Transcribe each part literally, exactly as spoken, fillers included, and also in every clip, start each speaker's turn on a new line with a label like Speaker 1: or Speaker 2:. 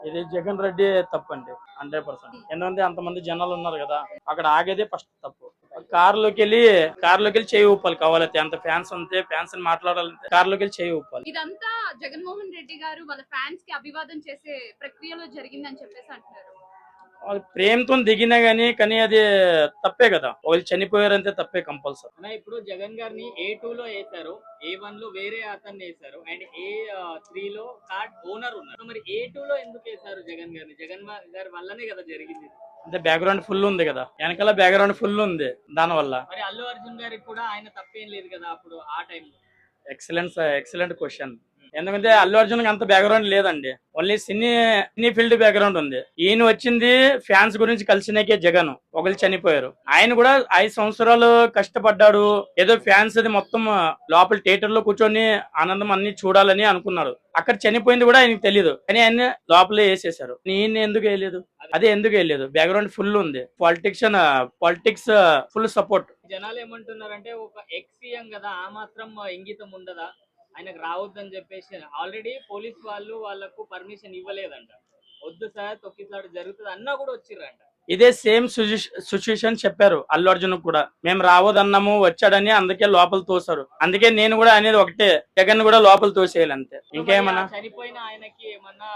Speaker 1: ఇది జగన్ రెడ్డి తప్పండి, hundred percent. ఎందుకంటే అంతమంది జనాలు ఉన్నారు కదా, అక్కడ ఆగేదే ఫస్ట్ తప్పు. కారులోకి వెళ్ళి కారులోకి వెళ్ళి చేయి ఊపాలి, కావాలంటే అంత ఫ్యాన్స్ ఉంటే ఫ్యాన్స్ మాట్లాడాలంటే కారులోకి వెళ్ళి చేయి ఊపాలి.
Speaker 2: ఇదంతా జగన్మోహన్ రెడ్డి గారు వాళ్ళ ఫ్యాన్స్ కి అభివాదం చేసే ప్రక్రియలో జరిగిందని చెప్పేసి అంటున్నారు.
Speaker 1: వాళ్ళు ప్రేమతో దిగినా గానీ కానీ అది తప్పే కదా, వాళ్ళు చనిపోయారంటే తప్పే కంపల్సరీ.
Speaker 3: అన్న ఇప్పుడు జగన్ గారిని ఏ టూ లో వేశారు, ఏ వన్ లో వేరే అతన్ని వేశారు, అండ్ ఏ త్రీ లో కార్డ్ ఓనర్ ఉన్నారు. మరి ఏ టూ లో ఎందుకు వేశారు జగన్ గారిని? జగన్ గారి వల్లనే కదా జరిగింది.
Speaker 1: అంటే బ్యాక్గ్రౌండ్ ఫుల్ ఉంది కదా, వెనకాల బ్యాక్గ్రౌండ్ ఫుల్ ఉంది దాని వల్ల.
Speaker 3: మరి అల్లు అర్జున్ గారికి కూడా ఆయన తప్పేం లేదు కదా అప్పుడు ఆ టైంలో.
Speaker 1: Excellent excellent question. ఎందుకంటే అల్లు అర్జున్ అంత బ్యాక్గ్రౌండ్ లేదండి, only cine cine field background ఉంది. ఈయన వచ్చింది ఫ్యాన్స్ గురించి కలిసినాకే జగన్. ఒకళ్ళు చనిపోయారు, ఆయన కూడా ఐదు సంవత్సరాలు కష్టపడ్డాడు. ఏదో ఫ్యాన్స్ అది మొత్తం లోపల థియేటర్ లో కూర్చొని ఆనందం అన్ని చూడాలని అనుకున్నాడు. అక్కడ చనిపోయింది కూడా ఆయనకు తెలియదు, కానీ ఆయన లోపలే వేసేసారు. ఈయన ఎందుకు వేయలేదు, అదే ఎందుకు వేయలేదు? బ్యాక్గ్రౌండ్ ఫుల్ ఉంది, పాలిటిక్స్ పాలిటిక్స్ ఫుల్ సపోర్ట్.
Speaker 3: జనాలు ఏమంటున్నారంటే ఒక ఎక్స్ సీఎం కదా, ఆ మాత్రం ఇంగితం ఉండదా ఆయనకు రావద్దని చెప్పేసి? ఆల్రెడీ పోలీస్ వాళ్ళు వాళ్ళకు పర్మిషన్ ఇవ్వలేదంట. వద్దు సార్ తొక్కిసలాట జరుగుతుంది అన్నా కూడా వచ్చిర్రంట.
Speaker 1: ఇదే సేమ్ సిచ్యుయేషన్ చెప్పారు అల్లు అర్జున్ కూడా. మేము రావద్దన్నాము, వచ్చాడని అందుకే లోపల తోసారు. అందుకే నేను కూడా అనేది ఒకటే, జగన్ కూడా లోపల తోసేయాలి అంతే, ఇంకేమన్నా.
Speaker 3: చనిపోయిన ఆయనకి ఏమన్నా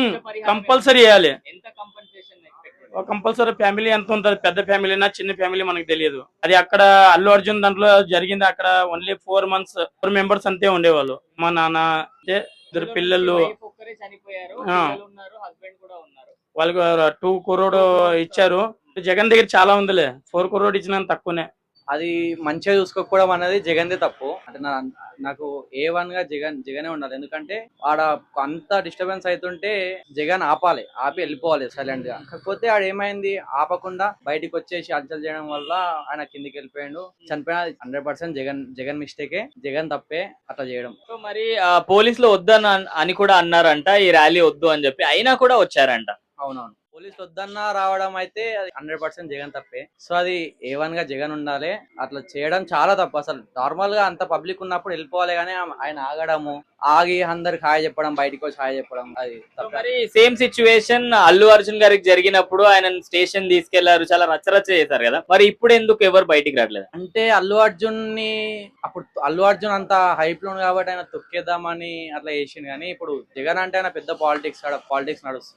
Speaker 1: కంపల్సరీ వేయాలి.
Speaker 3: ఎంత కంపెన్సేషన్
Speaker 1: కంపల్సరీ. ఫ్యామిలీ ఎంత ఉంటుంది, పెద్ద ఫ్యామిలీనా చిన్న ఫ్యామిలీ మనకు తెలియదు. అది అక్కడ అల్లు అర్జున్ దాంట్లో జరిగింది. అక్కడ only four months four members అంతే ఉండేవాళ్ళు. మా నాన్న అంటే ఇద్దరు పిల్లలు,
Speaker 3: చనిపోయారు, హస్బెండ్ కూడా ఉన్నారు.
Speaker 1: వాళ్ళకి టూ కరోడ్ ఇచ్చారు. జగన్ దగ్గర చాలా ఉందిలే, ఫోర్ కరోడ్ ఇచ్చిన తక్కువనే.
Speaker 4: అది మంచిగా చూసుకోకపోవడం అనేది జగన్దే తప్పు. అంటే నా నాకు ఏ వన్ గా జగన్ జగనే ఉండాలి. ఎందుకంటే ఆడ అంత డిస్టర్బెన్స్ అవుతుంటే జగన్ ఆపాలి, ఆపి వెళ్ళిపోవాలి సైలెంట్ గా. కాకపోతే ఆడ ఏమైంది, ఆపకుండా బయటికి వచ్చేసి అలచల్ చేయడం వల్ల ఆయన కిందికి వెళ్ళిపోయాడు, చనిపోయిన. హండ్రెడ్ పర్సెంట్ జగన్ జగన్ మిస్టేకే, జగన్ తప్పే అట్లా చేయడం.
Speaker 3: సో మరి పోలీసులు వద్దని అని కూడా అన్నారంట, ఈ ర్యాలీ వద్దు అని చెప్పి, అయినా కూడా వచ్చారంట.
Speaker 4: అవునవును, పోలీసులు వద్దన్నా రావడం అయితే అది హండ్రెడ్ పర్సెంట్ జగన్ తప్పే. సో అది ఏ వన్ గా జగన్ ఉండాలి, అట్లా చేయడం చాలా తప్పు. అసలు నార్మల్ గా అంత పబ్లిక్ ఉన్నప్పుడు వెళ్ళిపోవాలి, కానీ ఆయన ఆగడము, ఆగి అందరికి హాయ్ చెప్పడం, బయటకు వచ్చి హాయ్ చెప్పడం అది తప్పు.
Speaker 3: మరి సేమ్ సిచ్యువేషన్ అల్లు అర్జున్ గారికి జరిగినప్పుడు ఆయన స్టేషన్ తీసుకెళ్లారు, చాలా రచ్చరచ్చ చేశారు కదా. మరి ఇప్పుడు ఎందుకు ఎవరు బయటికి రావట్లేదు?
Speaker 4: అంటే అల్లు అర్జున్ ని అప్పుడు అల్లు అర్జున్ అంత హైప్ లో కాబట్టి ఆయన తొక్కేద్దామని అట్లా చేసింది. కానీ ఇప్పుడు జగన్ అంటే ఆయన పెద్ద పాలిటిక్స్ పాలిటిక్స్ నడుస్తుంది.